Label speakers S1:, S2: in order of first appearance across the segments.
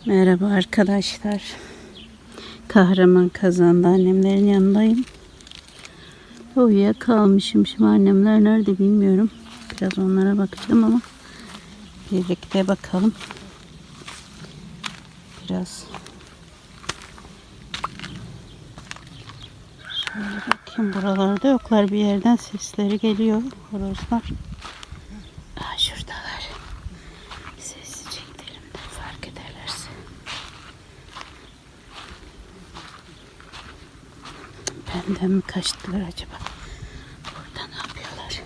S1: Merhaba arkadaşlar. Kahraman Kazan'da annemlerin yanındayım. Uyuyakalmışım. Şimdi annemler nerede bilmiyorum. Biraz onlara bakacağım ama birlikte bakalım. Biraz şöyle bakayım, buralarda yoklar, bir yerden sesleri geliyor. Horozlar. Şuradalar. Sessizce gidelim de fark ederlerse. Benden mi kaçtılar acaba? Burada ne yapıyorlar?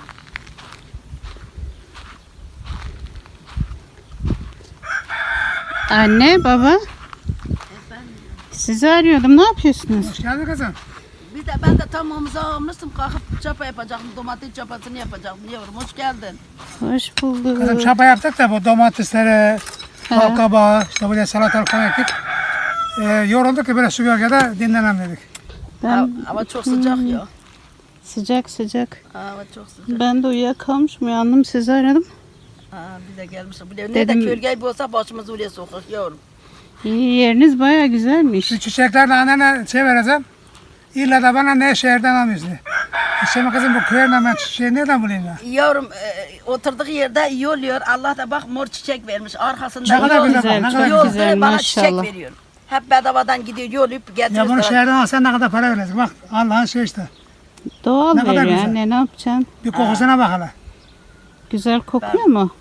S1: Anne, baba.
S2: Efendim?
S1: Sizi arıyordum. Ne yapıyorsunuz?
S3: Hoş geldin kızım.
S2: Ben de tam omuza almıştım, kalkıp çapa yapacaktım, domates çapasını yapacaktım yavrum. Hoş geldin.
S1: Hoş bulduk.
S3: Kızım çapa yaptık da bu domatesleri, bal kabağı, işte buraya salatalık falan ektik. Yorulduk ki böyle su gölgede dinlenem dedik.
S1: Ben
S2: Hava çok sıcak ya.
S1: sıcak sıcak.
S2: Hava çok sıcak.
S1: Ben de uyuyakalmışım. Uyandım, sizi aradım.
S2: Bir de gelmişim. Ne de
S1: Dedim-
S2: kölge olsa başımızı oraya sokak yavrum.
S1: İyi, yeriniz bayağı güzelmiş.
S3: Şu çiçeklerle annene şey vereceğim. İlla da bana ne şehirden almıyorsun. Şimdi kızım bu köyden ben çiçeği nereden bulayım ya?
S2: Yavrum oturduk yerde iyi oluyor. Allah da bak mor çiçek vermiş. Arkasında
S3: Ne kadar
S2: yol-
S3: güzel,
S1: güzel,
S3: ne
S1: çok
S3: kadar
S2: yolda
S1: güzel,
S2: bana
S1: maşallah.
S2: çiçek veriyor. Hep bedavadan gidiyor, yollayıp getiriyor.
S3: Ya bunu
S2: sana.
S3: şehirden alsan ne kadar para verecek? Bak Allah'ın şey işte.
S1: Doğal
S3: Ne kadar
S1: veriyor
S3: güzel.
S1: anne, ne yapacaksın?
S3: Bir kokusuna bak hele.
S1: Güzel kokuyor mu?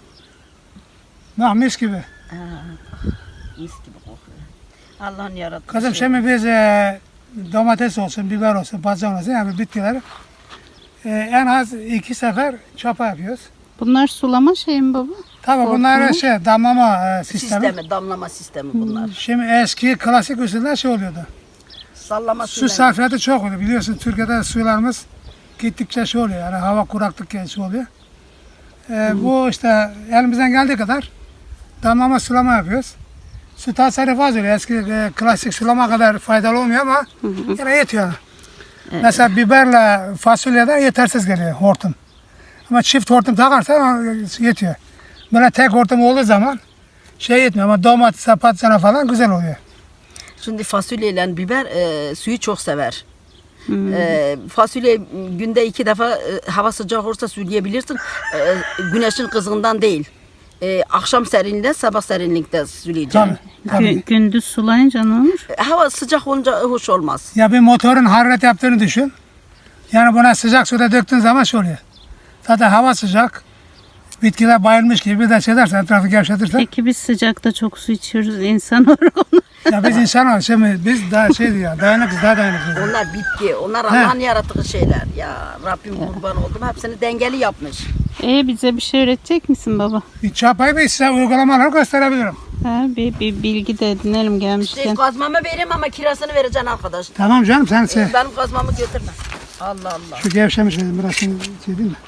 S3: Bak mis gibi.
S2: Mis gibi kokuyor. Allah'ın yarattığı
S3: Kızım
S2: şey.
S3: şimdi biz domates olsun, biber olsun, patlıcan olsun yani bitkileri en az 2 sefer çapa yapıyoruz.
S1: Bunlar sulama şey mi baba?
S3: Tabii bunlar şey damlama sistemi.
S2: Sistemi, damlama sistemi bunlar.
S3: Şimdi eski klasik usuller şey oluyordu.
S2: Sallama
S3: Su
S2: suyla.
S3: sarfiyatı çok oluyor. Biliyorsun Türkiye'de sularımız gittikçe şey oluyor. Yani hava kuraklık şey oluyor. Bu işte elimizden geldiği kadar damlama sulama yapıyoruz. Su tasarrufu az oluyor. Eski klasik sulama kadar faydalı olmuyor ama yine yetiyor. Mesela biberle fasulyede yetersiz geliyor hortum. Ama çift hortum takarsan yetiyor. Böyle tek hortum olduğu zaman şey yetmiyor ama domatese, patlıcana falan güzel oluyor.
S2: Şimdi fasulye ile biber suyu çok sever. Fasulye günde 2 defa hava sıcak olursa suylayabilirsin. Güneşin kızgından değil. Akşam serinliğinde, sabah serinlikte sulayacaksın.
S3: Tabii.
S1: Gündüz sulayınca ne olur?
S2: Hava sıcak olunca hoş olmaz.
S3: Ya bir motorun hararet yaptığını düşün. Yani buna sıcak suda döktüğün zaman şey oluyor. Zaten hava sıcak. Bitkiler bayılmış gibi bir de şey dersen, etrafı gevşetirsen.
S1: Peki biz sıcakta çok su içiyoruz, insan olarak onu.
S3: Ya biz insan olarak şimdi biz daha şey diyor, dayanıklıyız, daha dayanıklıyız.
S2: Onlar bitki, onlar Allah'ın yarattığı şeyler. Ya Rabbim kurban oldum. Hepsini dengeli yapmış.
S1: Bize bir şey öğretecek misin baba?
S3: Bir çapayı bir size uygulamaları gösterebilirim.
S1: Bir bilgi de edinelim gelmişken.
S2: Kazmamı vereyim ama kirasını vereceksin arkadaş.
S3: Tamam canım sen şey,
S2: Benim kazmamı götürme. Allah Allah.
S3: şu gevşemiş dedim biraz şimdi şey değil mi?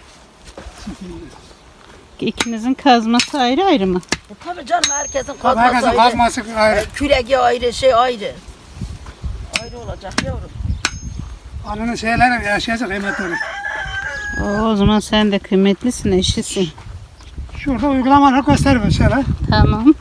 S1: İkinizin kazması ayrı ayrı mı?
S2: Tabii canım herkesin
S3: Tabii
S2: kazması
S3: herkesin
S2: ayrı.
S3: kazması ayrı.
S2: Küregi ayrı, şey ayrı. Ayrı olacak yavrum.
S3: Ananın şeyleri yaşayacak kıymetleri.
S1: O zaman sen de kıymetlisin, eşisin.
S3: Şurada uygulamaları gösteriyor şöyle.
S1: Tamam.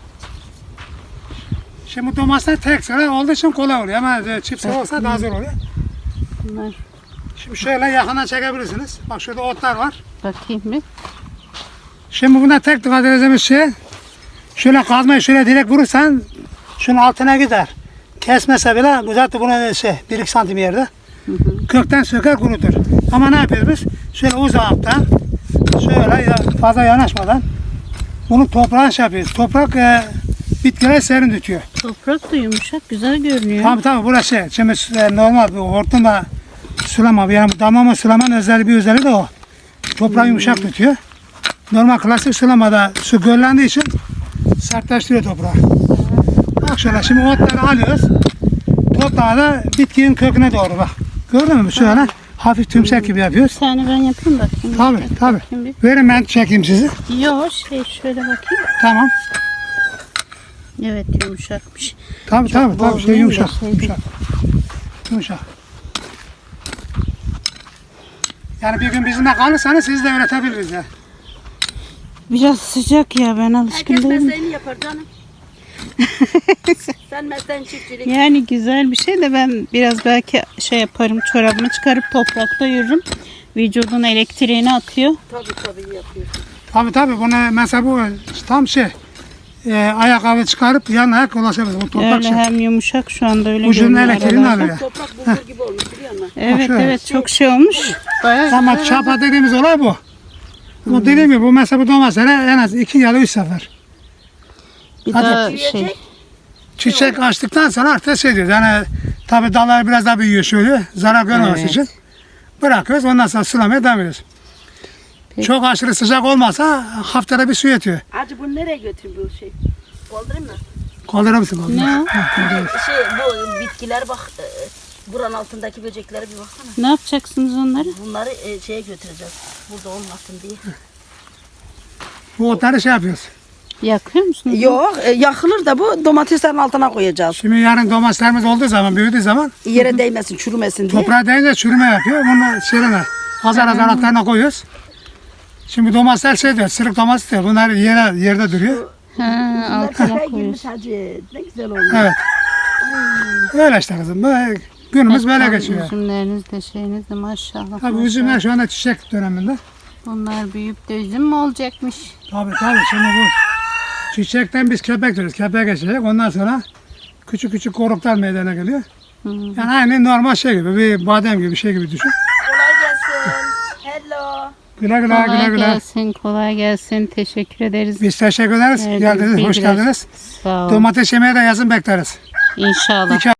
S3: Şimdi domatesler tek sıra olduğu için kolay oluyor ama çift sıra olsa daha zor oluyor.
S1: Bunlar,
S3: Şimdi şöyle yakından çekebilirsiniz. Bak şurada otlar var.
S1: bakayım bir.
S3: Şimdi buna tek dikkat edeceğimiz şey şöyle kazmayı şöyle direkt vurursan şunun altına gider. Kesmese bile uzattı buna şey 1-2 santim yerde. Kökten söker kurutur. Ama ne yapıyoruz biz? Şöyle uzaktan şöyle fazla yanaşmadan bunu toprağa şey yapıyoruz. Toprak bitkileri serin tutuyor.
S1: Toprak da yumuşak, güzel görünüyor.
S3: Tabii burası şey. Şimdi normal bir hortumla sulama yani damlama sulamanın özel bir özelliği de o. Toprağı yumuşak tutuyor. Normal klasik sulamada su göllendiği için sertleştiriyor toprağı. Bak şöyle şimdi otları alıyoruz. Toprağı da bitkinin köküne doğru bak. Gördün mü? Şöyle hafif tümsek gibi yapıyoruz.
S1: Bir tane ben yapayım bakayım.
S3: Tabii.
S1: Bakayım bir.
S3: Verin ben çekeyim sizi.
S1: Yok şöyle bakayım.
S3: Tamam.
S1: Evet, yumuşakmış.
S3: Tabii. Şey
S1: bozmayayım
S3: yumuşak.
S1: da şey
S3: Yumuşak. Yani bir gün bizimle kalırsanız siz de öğretebiliriz ya.
S1: Biraz sıcak ya, ben alışkın
S2: Herkes
S1: değilim.
S2: mesleğini yapar canım. Sen mesleğin çiftçilik.
S1: Yani güzel bir şey de ben biraz belki şey yaparım, çorabımı çıkarıp toprakta yürürüm. Vücudun elektriğini atıyor.
S2: Tabii yapıyorsun.
S3: Tabii bunu mesela bu tam ayakkabı çıkarıp yan ayak ulaşabilir. Bu toprak
S1: Öyle
S3: şey.
S1: hem yumuşak şu anda öyle
S3: Ucunun
S1: görünüyor
S3: elektriğini
S1: aralarda.
S3: alıyor.
S2: Toprak bulgur gibi olmuş biliyor musun?
S1: Evet
S3: şöyle.
S1: evet çok şey olmuş. Bayağı
S3: Ama
S1: güzel.
S3: çapa dediğimiz olay bu. Bu dediğim gibi bu mesela bu domatesleri en az 2 ya da 3 sefer.
S1: Bir
S3: Hadi.
S1: daha şey.
S2: Yiyecek.
S3: Çiçek açtıktan sonra artık şey diyoruz. Yani tabii dallar biraz daha büyüyor şöyle. Zarar görmemesi
S1: Evet.
S3: için. Bırakıyoruz. Ondan sonra sulamaya devam ediyoruz.
S1: Peki.
S3: Çok aşırı sıcak olmasa haftada bir su yetiyor.
S2: Acı bunu nereye götüreyim bu şey? Kaldırayım mı?
S3: Kaldırır mısın?
S1: Ne o?
S2: Şey bu bitkiler bak buranın altındaki böceklere bir baksana.
S1: Ne yapacaksınız onları?
S2: Bunları şeye götüreceğiz. Burada olmasın diye.
S3: Bu otları şey yapıyoruz.
S1: Yakıyor musunuz?
S2: Yok yakılır da bu domateslerin altına koyacağız.
S3: Şimdi yarın domateslerimiz olduğu zaman, büyüdüğü zaman
S2: Yere değmesin, çürümesin diye.
S3: toprağa değince çürüme yapıyor. Bunu şeyine azar altlarına koyuyoruz. Şimdi domatesler şey diyor, sırık domates diyor. Bunlar yerde duruyor.
S1: Ha, altına
S2: Bunlar girmiş
S1: koyuyorsun.
S2: hacı. Ne güzel olmuş.
S3: Evet. Öyle işte kızım. Böyle günümüz böyle
S1: Tam
S3: geçiyor.
S1: Üzümleriniz de şeyiniz de maşallah.
S3: Tabii
S1: maşallah.
S3: üzümler şu anda çiçek döneminde.
S1: Bunlar büyüyüp de üzüm mü olacakmış?
S3: Tabii şimdi bu çiçekten biz kepek diyoruz. Kepeğe geçecek. Ondan sonra küçük küçük koruklar meydana geliyor.
S1: Hı.
S3: Yani aynı normal şey gibi, bir badem gibi bir şey gibi düşün.
S2: Kolay gelsin. Hello.
S3: Güle güle,
S1: Kolay
S3: güle güle.
S1: gelsin, kolay gelsin. Teşekkür ederiz.
S3: Biz teşekkür ederiz.
S1: Verdiğiniz
S3: Geldiniz, hoş
S1: bilgiler.
S3: geldiniz.
S1: Sağ olun.
S3: Domates yemeye de yazın bekleriz.
S1: İnşallah.